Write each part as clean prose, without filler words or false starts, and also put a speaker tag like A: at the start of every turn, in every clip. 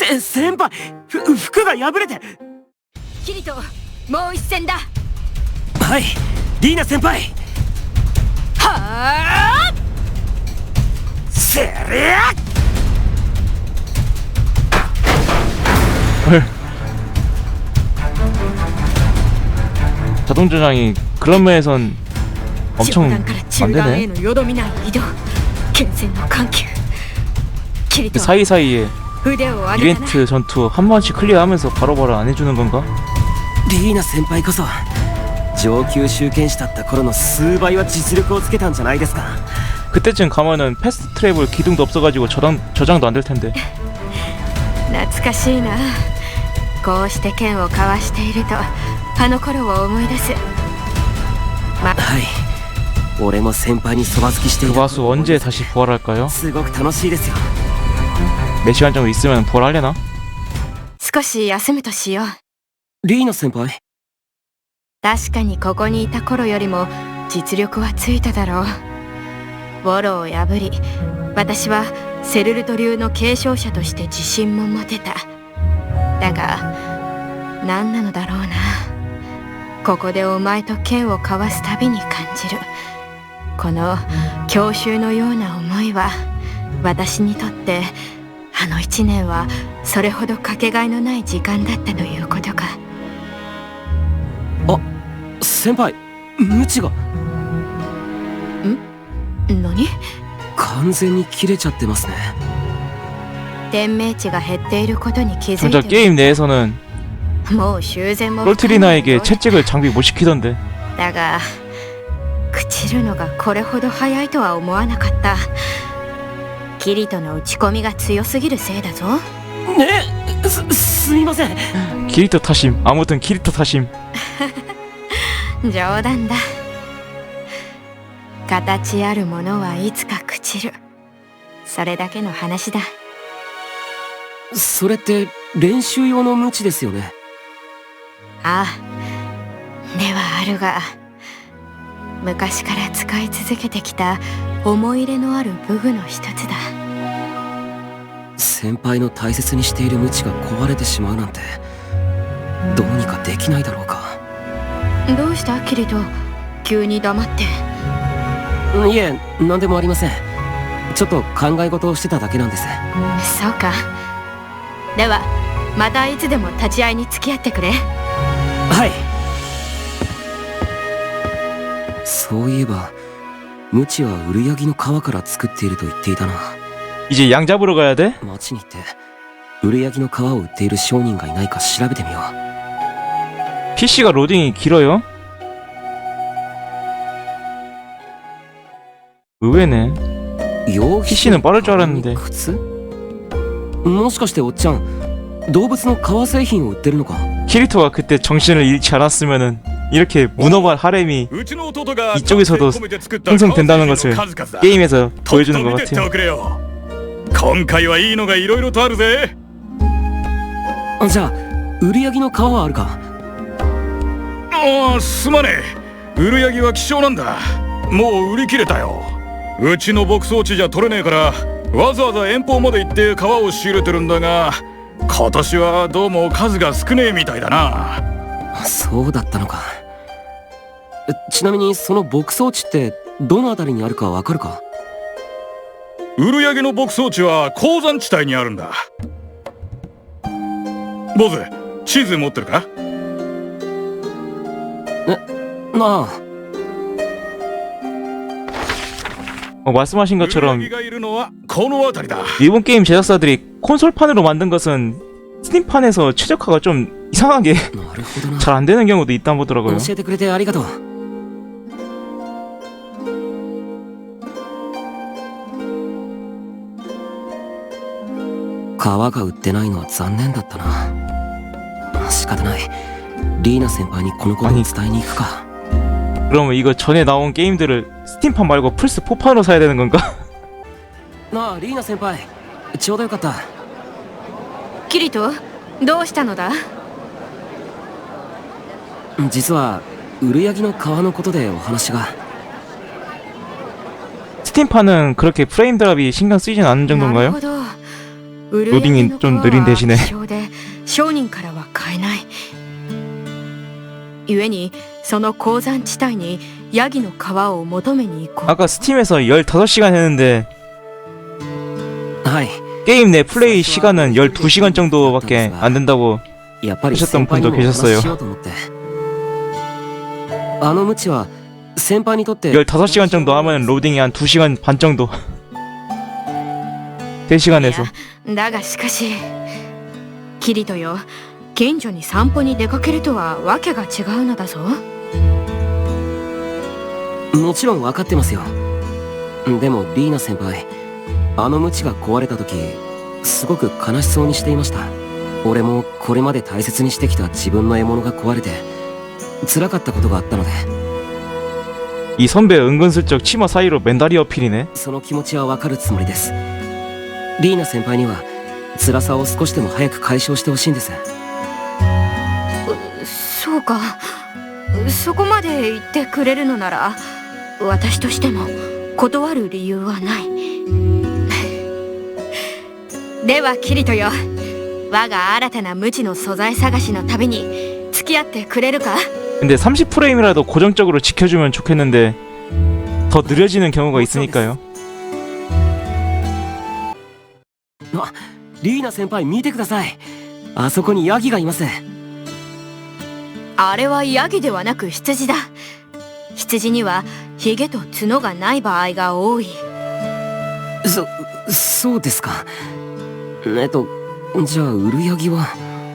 A: 先輩、服が破れて。
B: キリト、もう一戦だ。
A: はい、リーナ先輩。
B: はあ、
A: せりゃ。
C: 자동 조장이 그런 면에선 엄청 안 되네. 그 사이사이에 이벤트 전투 한 번씩 클리어하면서 바로바로 안 해주는 건가?
A: リーナ先輩こそ上級集権士だった頃の数倍は実力をつけたんじゃないですか。
C: 그때쯤 가면은 패스트 트래블 기둥도 없어가지고 저장도 안 될 텐데.
B: 懐かしいな。こうして剣を交わしているとあの頃を思い出す。
A: はい、俺も先輩にそば好きしてい
C: 그
A: た。
C: 바수 언제 다시 부활할까요?
A: すごく楽しいですよ。
C: 4시간 정도 있으면 부활하려나?
B: 少し休むとしよう。
A: リーナ先輩。
B: 確かにここにいた頃よりも実力はついただろう。ウォロを破り、私はセルルト流の継承者として自信も持てた。だが何なのだろうな。ここでお前と剣を交わすたびに感じるこの郷愁のような思いは、私にとってあの1年はそれほどかけがえのない時間だったということか。
A: あ、先輩、ムチが。
B: 何？
A: 完全に切れちゃってますね。
B: 天命値が減っていることに気づいて
C: 정작 게임 내에서는
B: もう修繕も
C: 롤트리나에게 채찍을 장비 못 시키던데.
B: だが朽ちるのがこれほど早いとは思わなかった。キリトの打ち込みが強すぎるせいだぞ。
A: すみません。
C: 키리토 타심. 아무튼 키리토 타심.
B: 冗談だ。形あるものはいつか朽ちる。それだけの話だ。
A: それって練習用のムチですよね。
B: ああ、ではあるが、昔から使い続けてきた思い入れのある武具の一つだ。
A: 先輩の大切にしているムチが壊れてしまうなんて、どうにかできないだろうか。
B: どうしたキリト、急に黙って。
A: いえ、何でもありません。ちょっと考え事をしてただけなんです。
B: そうか。ではまたいつでも立ち会いに付き合ってくれ。
A: はい。そういえばムチはウルヤギの皮から作っていると言っていたな。
C: 이제 양 잡으러 가야 돼?
A: 町に行ってウルヤギの皮を売っている商人がいないか調べてみよう。
C: PC가 로딩이 길어요? 의외네. PC는 빠를 줄 알았는데.
A: もしかしておっちゃん、動物の革製品を売ってるのか？
C: 키리토가 그때 정신을 잃지 않았으면은 이렇게 문어발 하렘이 이쪽에서도 형성된다는 것을 게임에서 보여주는 것 같아요.
D: 今回はいいのがいろいろとあるぜ。
A: じゃあウルヤギの皮はあるか？
D: ああ、すまねえ。ウルヤギは希少なんだ。もう売り切れたよ。うちの牧草地じゃ取れねえから、わざわざ遠方まで行って皮を仕入れてるんだが、今年はどうも数が少ねえみたいだな。
A: そうだったのか。ちなみにその牧草地ってどの辺りにあるかわかるか？
D: ウルヤギの牧草地は鉱山地帯にあるんだ。坊主、地図持ってるか？
A: なあ。
C: 말씀하신 것처럼
D: ウルヤギがいるのはこの辺りだ。
C: 일본 게임 제작사들이 콘솔판으로 만든 것은 스팀판에서 최적화가 좀 이상하게 잘 안 되는 경우도 있다 보더라고요.
A: 教えてくれてありがとう。皮が売ってないのは残念だったな。仕方ない。リーナ先輩にこのことを伝えに行くか。
C: 그러면 이거 전에 나온 게임들을 스팀판 말고 플스4판으로 사야 되는 건가?
A: なあリーナ先輩、ちょうどよかった。
B: キリト、どうしたのだ？
A: 実はウルヤギの皮のことでお話が。
C: 스팀판은 그렇게 프레임 드랍이 신경 쓰이진 않는 정도인가요?
B: なるほど。
C: 로딩이 좀 느린 대신에
B: 商人からは買えない。故にその鉱山地帯にヤギの皮を求めに行こう。
C: 아까 스팀에서 15시간 했는데
A: はい。
C: 게임 내 플레이 시간은 12시간 정도밖에 안 된다고
A: やっぱり
C: 하셨던
A: 先輩に
C: 분도
A: もお話
C: 계셨어요.
A: ししようと思って。あのムチは先輩にとって
C: 15시간 정도 하면 로딩이 한 2시간 반 정도 3시간에서
B: だがしかしキリトよ、近所に散歩に出かけるとはわけが違うのだぞ。
A: もちろん分かってますよ。でもリーナ先輩、あのムチが壊れた時すごく悲しそうにしていました。俺もこれまで大切にしてきた自分の獲物が壊れて辛かったことがあったので。
C: 이 선배 은근슬쩍 치마 사이로 맨다리 어필이네.
A: その気持ちは分かるつもりです。リーナ先輩には辛さを少しでも早く解消してほしいんです。
B: そうか、そこまで言ってくれるのなら私としても断る理由はない。ではキリトよ、我が新たな無知の素材探しの旅に付き合ってくれるか？
C: 근데 30프레임이라도 고정적으로 지켜주면 좋겠는데 더 느려지는 경우가 있으니까요.
A: あ、リーナ先輩見てください。あそこにヤギがいます。
B: あれはヤギではなく羊だ。羊にはヒゲと角がない場合が多い。
A: そうですか。じゃあウルヤギは。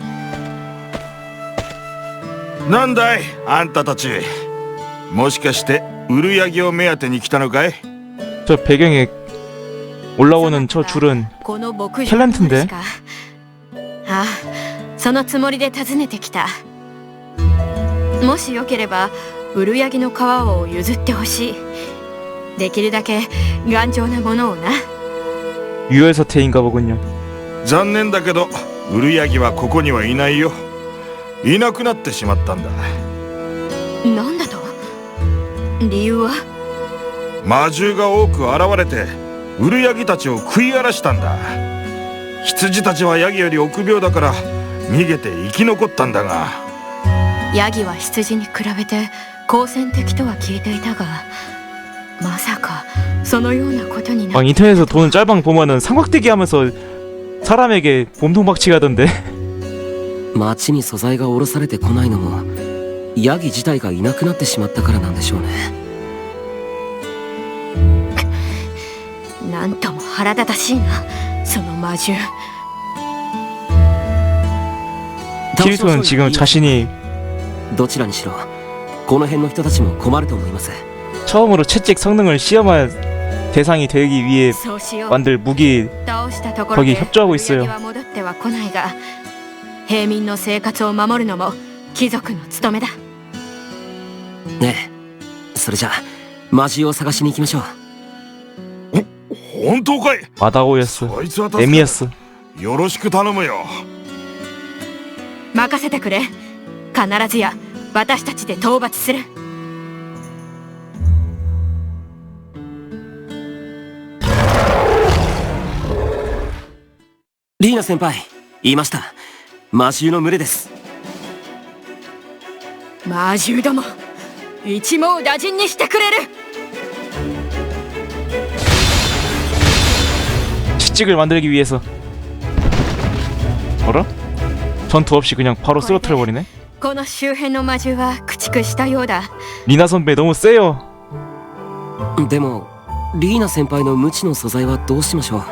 E: なんだいあんたたち、もしかしてウルヤギを目当てに来たのかい？
C: 저 배경에 올라오는 저 줄은
B: この牧場
C: 탤런트인데?
B: ああ、そのつもりで訪ねてきた。もしよければウルヤギの皮を譲ってほしい。できるだけ頑丈なものをな。
C: 유혈사태인가 보군요.
E: 残念だけどウルヤギはここにはいないよ。いなくなってしまったんだ。
B: なんだと？理由は？
E: 魔獣が多く現れてウルヤギたちを食い荒らしたんだ。羊たちはヤギより臆病だから逃げて生き残ったんだが。
B: ヤギは羊に比べて好戦的とは聞いていたが、まさかそのようなことにな。
C: 막 인터넷에서 도는 짤방 보면은 삼각대기 하면서 사람에게 몸통박치기 하던데.
A: 町に素材が下ろされてこないのもヤギ自体がいなくなってしまったからなんでしょうね。
B: なんとも腹立たしいな、その魔獣。
C: 키리토는 지금 자신이
A: どちらにしろこの辺の人たちも困ると思います。
C: 처음으로 채찍 성능을 시험할 대상이 되기 위해
B: そうしよう。
C: 만들 무기
B: 倒したところ
C: 거기
B: で
C: 협조하고 있어요.
B: 売り上げは戻っては来ないが、平民の生活を守るのも貴族の務めだ。
A: ねえ、それじゃあ魔獣を探しに行きましょう。
E: 本当かい？
C: 마다오였어.
E: そいつは助かる。
C: 에미였어.
E: よろしく頼むよ。
B: 任せてくれ。必ずや私たちで討伐する。
A: リーナ先輩、言いました。魔獣の群れです。
B: 魔獣ども、一網打尽にしてくれる。
C: 채찍을 만들기 위해서. 어라? 전투 없이 그냥 바로 쓰러뜨려버리네?
B: この周辺の魔獣は駆逐したようだ。
C: 리나 선배 너무 세요.
A: でもリーナ先輩の無知の素材はどうしましょう。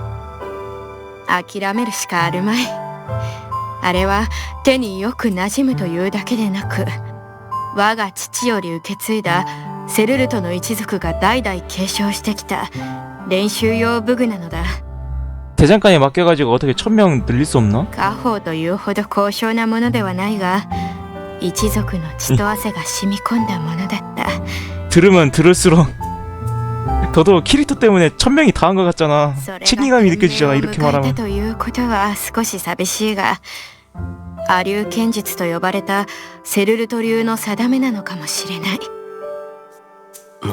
B: 諦めるしかあるまい。あれは手によく馴染むというだけでなく、我が父より受け継いだセルルトの一族が代々継承してきた練習用武具なのだ。
C: 대장간에 맡겨가지고 어떻게 1000명 늘릴 수 없나?
B: 家宝というほど高尚なものではないが、一族の血と汗が染み込んだものだった。
C: 들으면 들을수록 더더욱 키리토 때문에 1000명이 다 한 것 같잖아. 책임감이 느껴지잖아 이렇게 말하면.
B: ということは少し寂しいが、亜流剣術と呼ばれたセルルト流の定めなのかもしれない。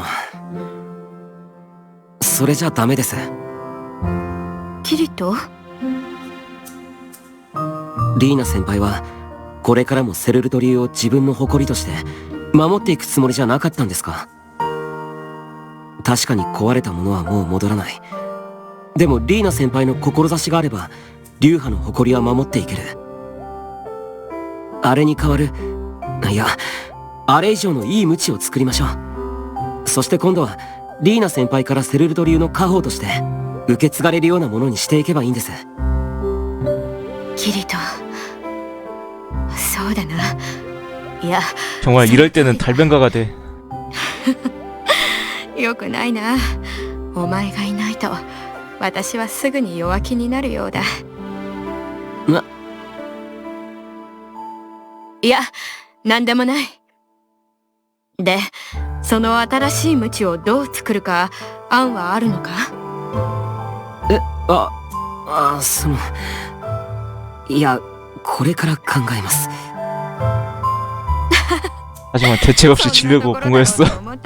A: それじゃダメです。
B: キリト、
A: リーナ先輩はこれからもセルルト流を自分の誇りとして守っていくつもりじゃなかったんですか？確かに壊れたものはもう戻らない。でもリーナ先輩の志があれば流派の誇りは守っていける。あれに代わる、いや、あれ以上のいい無知を作りましょう。そして今度はリーナ先輩からセルルト流の家宝として受け継がれるようなものにしていけばいいんです。
B: キリト、そうだな。いや、
C: 정말 이럴 때는 달변가가 돼.
B: よくないな。お前がいないと私はすぐに弱気になるようだ。いや、なんでもない。で、その新しいムチをどう作るか案はあるのか？
A: いや、これから考えます。
C: 하지만 대책 없이 지려고 본 거였어.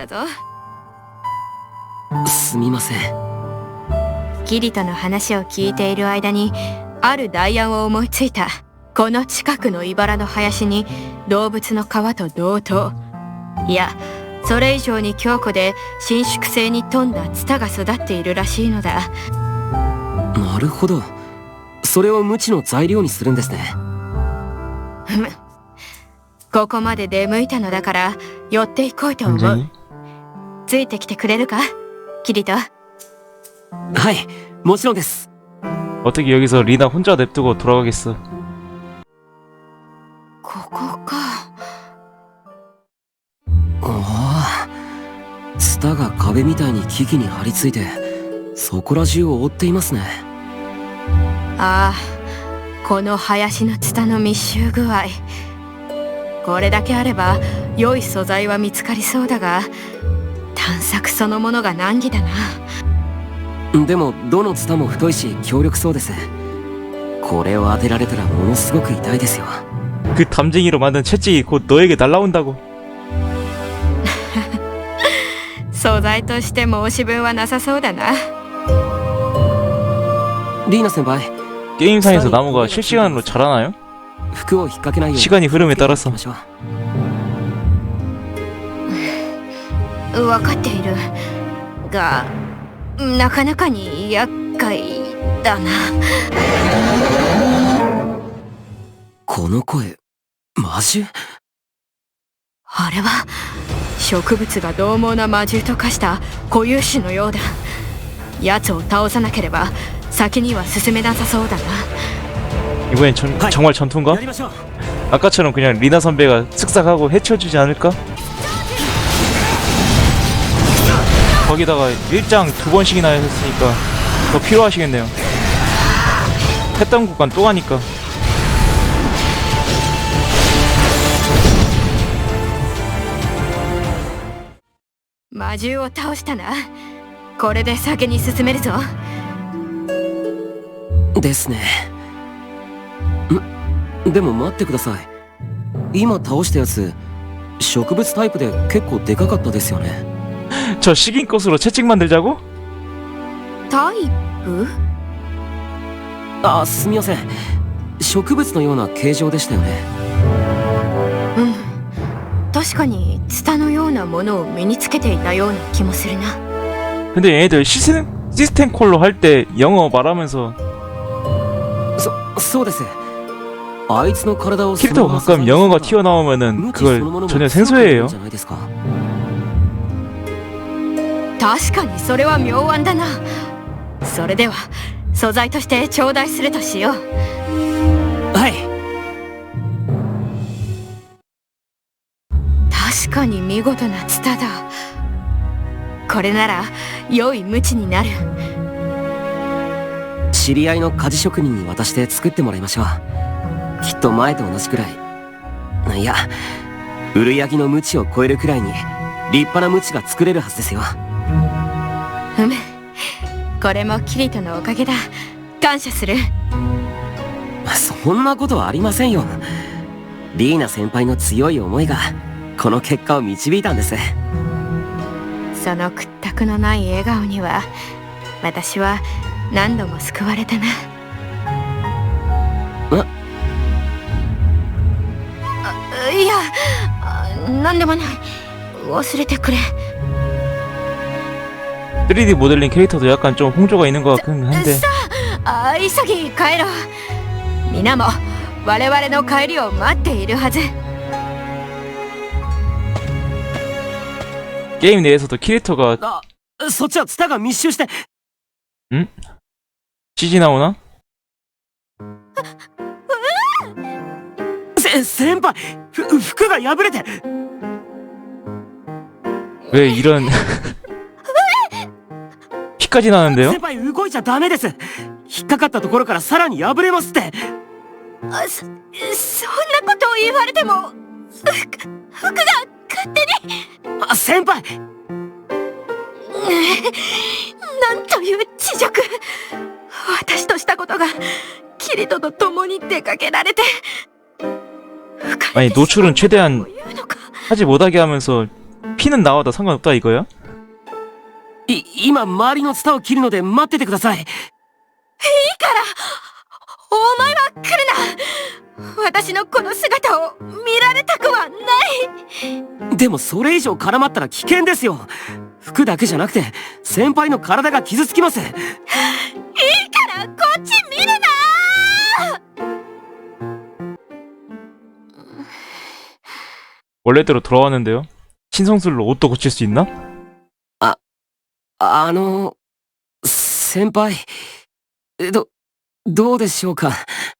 A: すみません。
B: キリトの話を聞いている間にある代案を思いついた。この近くの茨の林に動物の皮と同等、いやそれ以上に強固で伸縮性に富んだツタが育っているらしいのだ。
A: なるほど、それを無知の材料にするんですね。
B: ここまで出向いたのだから寄っていこうと思う。ついてきてくれるか、キリト？
A: はい、もちろんです。
C: 어떻게 여기서 리나 혼자 냅두고 돌아가겠어.
B: ここか。
A: ああ、ツタが壁みたいに木々に張り付いてそこら中を覆っていますね。
B: ああ、この林のツタの密集具合、これだけあれば良い素材は見つかりそうだが、探索そのものが難儀だな。
A: でもどのツタも太いし強力そうです。これを当てられたらものすごく痛いですよ。
C: 그 담쟁이로 만든 채찍이 곧 너에게 날라온다고.
B: 素材として申し分はなさそうだな。
A: リーナ先輩、
C: 게임상에서 나무가 실시간으로 자라나요?
A: 服を引っ掛けないように
C: 시간이 흐름에 따라서.
B: 分かっているが、なかなかに厄介だな。
A: この声、魔獣？
B: あれは植物が獰猛な魔獣と化した固有種のようだ。奴を倒さなければ先には進めなさそうだな。
C: 이번엔 정말 전투인가? 아까처럼 그냥 리나 선배가 쓱싹하고 해쳐주지 않을까? 거기다가 일장 2번씩이나 했으니까 더 필요하시겠네요. 했던 구간 또 가니까.
B: 魔獣を倒したな。これで先に進めるぞ。
A: ですね。でも待ってください。今倒したやつ、植物タイプで結構でかかったですよね。
C: 저 식인꽃으로 채찍 만들자고?
B: タイプ？
A: あ、すみません。植物のような形状でしたよね。
B: うん、確かにツタのようなものを身につけていたような気もするな。
C: 근데 얘네들 시스템 콜로 할 때 영어 말하면서
A: そうです。あいつの体を
C: 캐릭터가 가끔 영어가 튀어나오면은 그걸 전혀 생소해해요.
B: 確かにそれは妙案だな。それでは素材として頂戴するとしよう。
A: はい。
B: 確かに見事なツタだ。これなら良い無知になる。
A: 知り合いの鍛冶職人に渡して作ってもらいましょう。きっと前と同じくらい、いや、ウルヤギの無知を超えるくらいに立派な無知が作れるはずですよ。
B: これもキリトのおかげだ。感謝する。
A: そんなことはありませんよ。リーナ先輩の強い思いがこの結果を導いたんです。
B: その屈託のない笑顔には私は何度も救われたな。 なんでもない。忘れてくれ。
C: 3D 모델링 캐릭터도 약간 좀 홍조가 있는 것 같긴 한데.
B: さあ、急ぎ帰ろう。皆も我々の帰りを待っているはず。
C: 게임 내에서도 캐릭터가
A: あ、そっちはツタが密集して。
C: CG 나오나?
A: 先輩、服が破れて。
C: 왜 이런 피까지 나는데요?
A: 先輩動いちゃダメです。引っかかったところからさらに破れますって。
B: そんなことを言われても、服が勝手に。
A: あ、先輩。
B: なんという恥辱。私としたことがキリトと共に出かけられて。
C: 아니 노출은 최대한
B: 言うのか。
C: 하지 못하게 하면서 피는 나와도 상관없다 이거야?
A: 今周りのツタを切るので待っててください。
B: いいからお前は来るな。私のこの姿を見られたくはない。
A: でもそれ以上絡まったら危険ですよ。服だけじゃなくて先輩の体が傷つきます。いい
B: からこっち見るな。
C: 원래대로 돌아왔는데요? 신성술로 옷도 고칠 수 있나?
A: 先輩、どうでしょうか。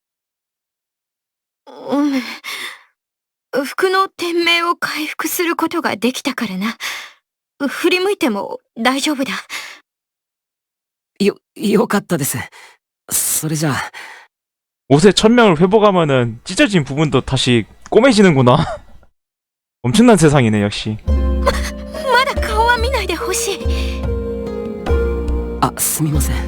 B: 服の店名を回復することができたからな。振り向いても大丈夫だ。
A: よかったです。それじゃあ
C: 옷의 천명을 회복하면은 찢어진 부분도 다시 꼬매지는구나. 엄청난 세상이네 역시.
B: まだ顔は見ないでほしい。
A: あ、すみません。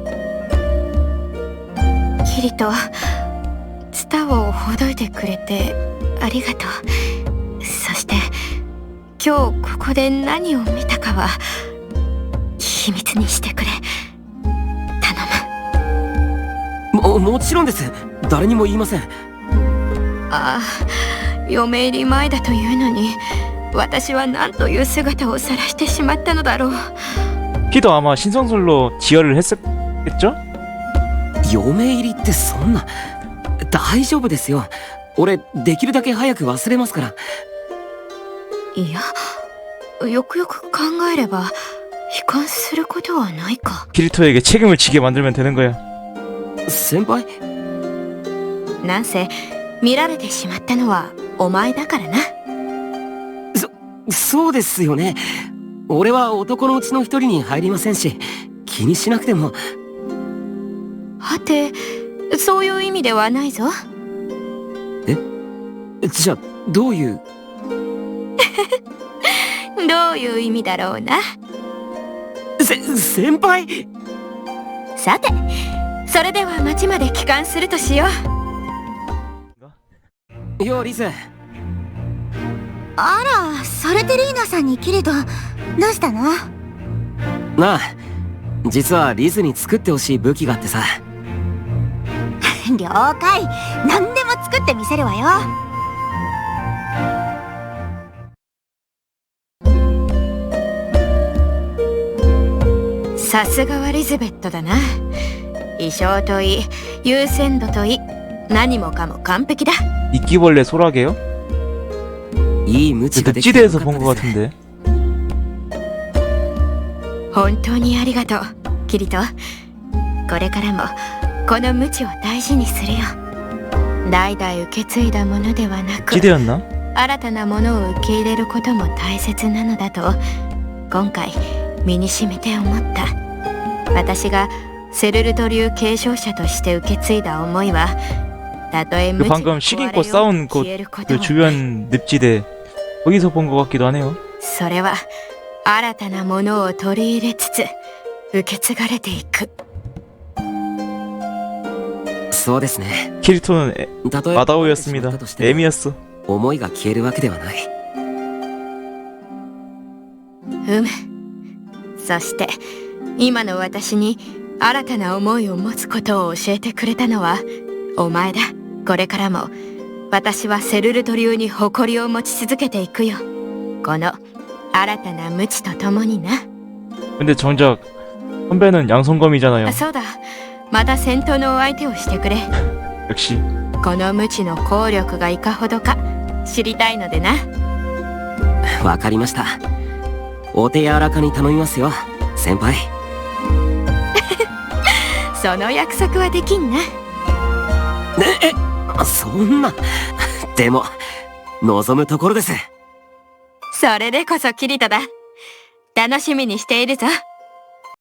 B: キリト、ツタをほどいてくれてありがとう。そして今日ここで何を見たかは秘密にしてくれ。頼む。
A: もちろんです。誰にも言いません。
B: ああ、嫁入り前だというのに私は何という姿を晒してしまったのだろう。
C: 키도 아마 신성술로 지혈을 했겠죠?
A: 嫁入りってそんな。大丈夫ですよ。俺できるだけ早く忘れますから。
B: いや、よくよく考えれば悲観することはないか。
C: 키리토에게 책임을 지게 만들면 되는 거야.
A: 先輩？
B: なんせ見られてしまったのはお前だからな。
A: そうですよね。俺は男のうちの一人に入りませんし、気にしなくても。
B: はて、そういう意味ではないぞ。
A: え？じゃあどういう？
B: どういう意味だろうな。
A: 先輩？
B: さて、それでは町まで帰還するとしよう。
A: ようリズ。
F: あら、ソルテリーナさんにキリト、どうしたの？
A: なあ、実はリズに作ってほしい武器があってさ。
F: 了解。何でも作ってみせるわよ。
B: さすがはリズベットだな。衣装といい、優先度といい、何もかも完璧だ。
C: 이끼벌레 소라게요?
A: いい無知ができてよか
C: 늪지대에서
A: った
C: 본 것
A: です。
C: 같은데.
B: 本当にありがとう、キリト。これからもこの無知を大事にするよ。代々受け継いだものではなく、
C: 지대였나?
B: 新たなものを受け入れることも大切なのだと今回身にしみて思った。私がセルルト流継承者として受け継いだ思いは、たとえ
C: 그
B: 無知
C: 방금
B: に
C: 식인꽃
B: 壊れよう
C: 싸운
B: 消
C: 곳
B: えること
C: 그
B: もない。
C: 주변 늪지대 거기서 본 것 같기도 하네요.
B: それは新たなものを取り入れつつ受け継がれていく。
A: そうですね。
C: 키리토는
A: たとえ
C: 마다오였습니다.
A: としても
C: M이었어.
A: 思いが消えるわけではない。
B: そして今の私に新たな思いを持つことを教えてくれたのはお前だ。これからも私はセルルト流に誇りを持ち続けていくよ。この新たな無知とともにな。
C: 근데 정작 선배는 양손검이잖아요.
B: あ、そうだ。また戦闘のお相手をしてくれ。
C: 역시
B: この無知の効力がいかほどか知りたいのでな。
A: わかりました。お手柔らかに頼みますよ、先輩。
B: その約束はできんな。
A: そんな。でも望むところです。
B: それでこそキリトだ。楽しみにしているぞ。